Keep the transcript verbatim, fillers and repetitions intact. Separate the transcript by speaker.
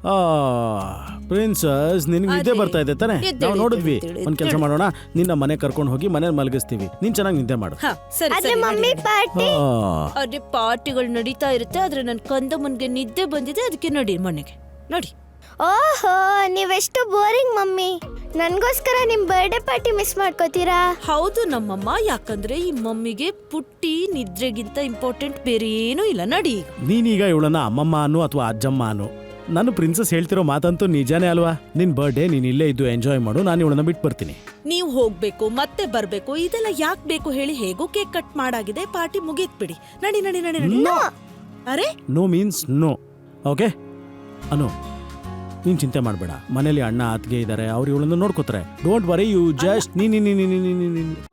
Speaker 1: Princess ನಿನ್ಗೆ ನಿದ್ದೆ
Speaker 2: ಅದೇ.
Speaker 1: ಬರ್ತಾ ಇದೆ ತಾನೆ?
Speaker 2: ಎದ್ದೇಳಿ,
Speaker 1: ನಾವು ನೋಡಿದ್ವಿ.
Speaker 2: ಎದ್ದೇಳಿ,
Speaker 1: ಒಂದ್ ಕೆಲಸ
Speaker 2: ಎದ್ದೇಳಿ.
Speaker 1: ಮಾಡೋಣ, ನಿನ್ನ ಮನೆ ಕರ್ಕೊಂಡು ಹೋಗಿ ಮನೇಲಿ ಮಲಗಿಸ್ತೀವಿ. ನೀನ್ ಚೆನ್ನಾಗಿ ನಿದ್ದೆ ಮಾಡು.
Speaker 2: ಹಾ ಸರಿ
Speaker 3: ಆದ್ರೆ
Speaker 2: ಸರಿ
Speaker 3: ಮಮ್ಮಿ ಪಾರ್ಟಿ
Speaker 1: ಆ,
Speaker 2: ಅದೇ ಪಾರ್ಟಿಗಳು ನಡೀತಾ ಇರುತ್ತೆ ಆದ್ರೆ ನನ್ ಕಂದ ಮುನ್ಗೆ ನಿದ್ದೆ ಬಂದಿದೆ ಅದಕ್ಕೆ ನಡಿ ಮನೆಗೆ ನೋಡಿ.
Speaker 3: ಓಹೋ ನೀವೆಷ್ಟು ಬೋರಿಂಗ್ ಮಮ್ಮಿ. ನನ್ಗೋಸ್ಕರ ನಿಮ್ ಬರ್ಡೇ ಪಾರ್ಟಿ ಮಿಸ್ ಮಾಡ್ಕೋತೀರಾ?
Speaker 2: ಹೌದು ನಮ್ಮಮ್ಮ, ಯಾಕಂದ್ರೆ ಈ ಮಮ್ಮಿಗೆ ಪುಟ್ಟಿ ನಿದ್ರೆಗಿಂತ ಇಂಪಾರ್ಟೆಂಟ್ ಬೇರೆ ಏನೂ ಇಲ್ಲ. ನಡಿ ಈಗ.
Speaker 1: ನೀನೀಗ ಇವಳನ್ನ ಅಮ್ಮಮ್ಮ ಅನ್ನು ಅಥವಾ ಅಜ್ಜಮ್ಮ ಅನ್ನು. ನಾನು ಪ್ರಿನ್ಸಸ್ ಹೇಳ್ತಿರೋ ಮಾತಂತೂ ನಿಜಾನೇ ಅಲ್ವಾ? ನಿನ್ ಬರ್ಡೇ ನೀನ್ ಇಲ್ಲೇ ಇದ್ದು ಎಂಜಾಯ್ ಮಾಡು, ನಾನು ಇವಳನ್ನ ಬಿಟ್ಟು ಬರ್ತೀನಿ.
Speaker 2: ನೀವು ಹೋಗ್ಬೇಕು ಮತ್ತೆ ಬರ್ಬೇಕು ಇದೆಲ್ಲ ಯಾಕೆ ಬೇಕು ಹೇಳಿ? ಹೇಗೋ ಕೇಕ್ ಕಟ್ ಮಾಡಾಗಿದೆ, ಪಾರ್ಟಿ ಮುಗೀತ್ ಬಿಡಿ. ನಡಿ ನಡಿ ನಡಿ ನಡಿ.
Speaker 1: No.
Speaker 2: ಅರೆ
Speaker 1: no means no. Okay Anu, ನೀನ್ ಚಿಂತೆ ಮಾಡಬೇಡ. ಮನೇಲಿ ಅಣ್ಣ ಅತ್ತಿಗೆ ಇದ್ದಾರೆ, ಅವ್ರು ಇವಳನ್ನು ನೋಡ್ಕೋತಾರೆ. ಡೋಂಟ್ ವರಿ, ಯು ಜಸ್ಟ್ ನೀ ನೀ ನೀ ನೀ ನೀ